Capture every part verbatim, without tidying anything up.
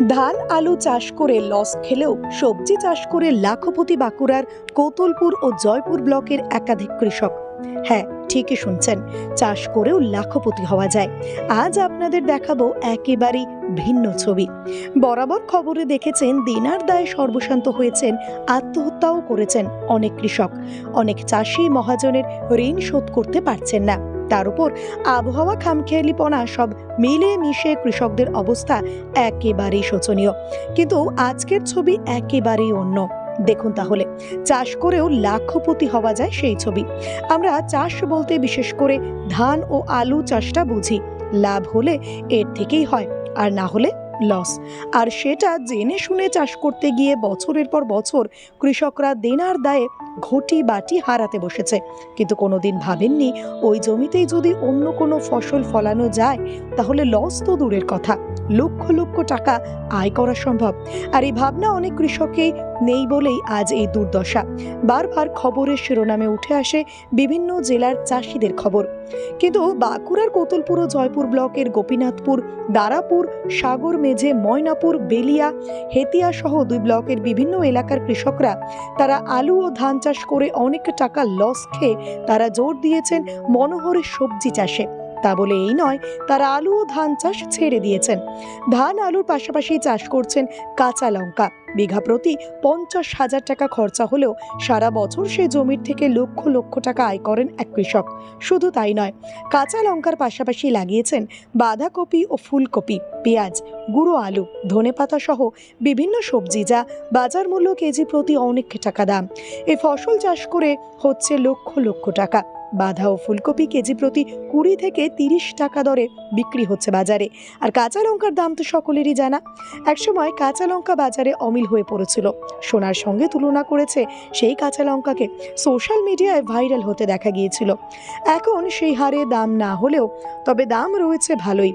ধান আলু চাষ করে লস খেলেও সবজি চাষ করে লাখপতি বাঁকুড়ার কৌতলপুর ও জয়পুর ব্লকের একাধিক কৃষক। হ্যাঁ, ঠিকই শুনছেন, চাষ করেও লাখপতি হওয়া যায়। আজ আপনাদের দেখাবো একেবারেই ভিন্ন ছবি। বরাবর খবরে দেখেছেন দিনার দায়ে সর্বশান্ত হয়েছেন, আত্মহত্যাও করেছেন অনেক কৃষক। অনেক চাষি মহাজনের ঋণ শোধ করতে পারছেন না। তার উপর আবহাওয়া, খামখেয়ালিপনা সব মিলিয়ে মিশে কৃষকদের অবস্থা একেবারেই শোচনীয়। কিন্তু আজকের ছবি একেবারেই অন্য। দেখুন তাহলে, চাষ করেও লাখপতি হওয়া যায় সেই ছবি। আমরা চাষ বলতে বিশেষ করে ধান ও আলু চাষটা বুঝি। লাভ হলে এর থেকেই হয়, আর না হলে লস। আর সেটা জেনে শুনে চাষ করতে গিয়ে বছরের পর বছর কৃষকরা দেনার দায়ে ঘটি বাটি হারাতে বসেছে। কিন্তু কোনোদিন ভাবেননি ওই জমিতেই যদি অন্য কোনো ফসল ফলানো যায় তাহলে লস তো দূরের কথা, লক্ষ লক্ষ টাকা আয় করা সম্ভব। আর এই ভাবনা অনেক কৃষকেই নেই বলেই আজ এই দুর্দশা। বারবার খবরের শিরোনামে উঠে আসে বিভিন্ন জেলার চাষিদের খবর। কিন্তু বাঁকুড়ার কৌতলপুর ও জয়পুর ব্লকের গোপীনাথপুর, দারাপুর, সাগর মেঝে, ময়নাপুর, বেলিয়া, হেতিয়া সহ দুই ব্লকের বিভিন্ন এলাকার কৃষকরা তারা আলু ও ধান চাষ করে অনেক টাকা লস খেয়ে তারা জোর দিয়েছেন মনোহরের সবজি চাষে। তা বলে এই নয় তারা আলু ও ধান চাষ ছেড়ে দিয়েছেন। ধান আলুর পাশাপাশি চাষ করছেন কাঁচা লঙ্কা। বিঘা প্রতি পঞ্চাশ হাজার টাকা খরচা হলেও সারা বছর সেই জমির থেকে লক্ষ লক্ষ টাকা আয় করেন এক কৃষক। শুধু তাই নয়, কাঁচা লঙ্কার পাশাপাশি লাগিয়েছেন বাঁধাকপি ও ফুলকপি, পেঁয়াজ, গুঁড়ো আলু, ধনেপাতা সহ বিভিন্ন সবজি, যা বাজার মূল্য কেজি প্রতি অনেক টাকা দাম। এই ফসল চাষ করে হচ্ছে লক্ষ লক্ষ টাকা। বাঁধা ও ফুলকপি কেজি প্রতি কুড়ি থেকে তিরিশ টাকা দরে বিক্রি হচ্ছে বাজারে। আর কাঁচা লঙ্কার দাম তো সকলেরই জানা। একসময় কাঁচা লঙ্কা বাজারে অমিল হয়ে পড়েছিল। সোনার সঙ্গে তুলনা করেছে সেই কাঁচা লঙ্কাকে, সোশ্যাল মিডিয়ায় ভাইরাল হতে দেখা গিয়েছিল। এখন সেই হারে দাম না হলেও তবে দাম রয়েছে ভালোই,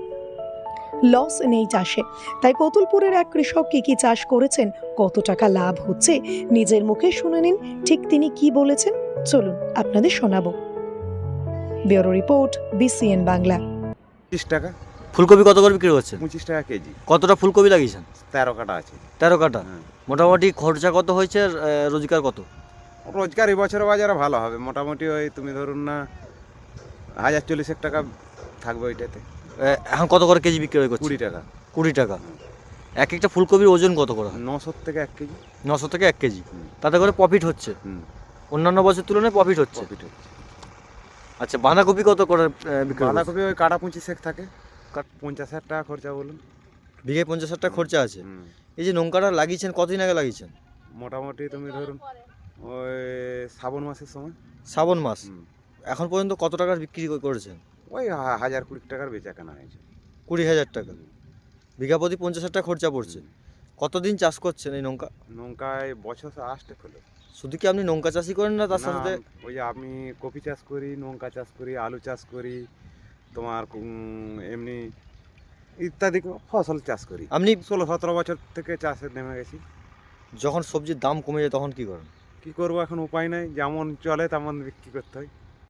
লস নেই চাষে। তাই কৌতলপুরের এক কৃষক কি কি চাষ করেছেন, কত টাকা লাভ হচ্ছে, নিজের মুখে শুনে নিন ঠিক তিনি কি বলেছেন। চলুন আপনাদের শোনাবো। Bureau report, BCN Bangla. পঁচিশ টাকা। ফুলকপি কত করে বিক্রি হচ্ছে? পঁচিশ টাকা কেজি। কতটা ফুলকপি লাগিয়েছেন? তেরো কাটা আছে। তেরো কাটা। হ্যাঁ। মোটামুটি খরচা কত হয়েছে আর আহ, রোজগার কত? রোজগার এই বছর বাজারে ভালো হবে, মোটামুটি ওই তুমি ধরুন না হাজার চল্লিশ এক টাকা থাকবে ওইটাতে। আহ, এখন কত করে কেজি বিক্রি করছে? কুড়ি টাকা। কুড়ি টাকা। এক একটা ফুলকপির ওজন কত করে হয়? নশো থেকে এক কেজি। নশো থেকে এক কেজি। হুম। তাতে করে প্রফিট হচ্ছে? হুম, অন্যান্য বছর তুলনায় প্রফিট হচ্ছে। প্রফিট হচ্ছে। আচ্ছা, বাঁধাকপি কত করে আহ, বিক্রি করছে? বাঁধাকপি ওই কাটা পঁচিশ এক থাকে, পঞ্চাশ হাজার টাকা খরচা বলুন। বিঘে পঞ্চাশ হাজার টাকা খরচা আছে। হুম। এই যে লঙ্কাটা লাগিয়েছেন কতদিন আগে লাগিয়েছেন? মোটামুটি তুমি ধরুন ওই শ্রাবণ মাসের সময়। শ্রাবণ মাস। হুম। এখন পর্যন্ত কত টাকার বিক্রি করেছেন? ওই হা- হাজার কুড়ি টাকার বেচা কেনা হয়েছে। কুড়ি হাজার টাকা। বিঘা প্রতি পঞ্চাশ হাজার টাকা খরচা পড়ছে। কতদিন চাষ করছেন এই লঙ্কা? নৌকায় বছর আসতে হলো। শুধু কি আপনি লঙ্কা চাষই করেন না তার না, সাথে? ওই যে আমি কপি চাষ করি, লঙ্কা চাষ করি, আলু চাষ করি, তোমার উম, এমনি ইত্যাদি ফসল চাষ করি। আপনি ষোলো সতেরো বছর থেকে চাষে নেমে গেছি। যখন সবজির দাম কমে যায় তখন কি করেন? কি করবো, এখন উপায় নাই, যেমন চলে তেমন বিক্রি করতে হয়।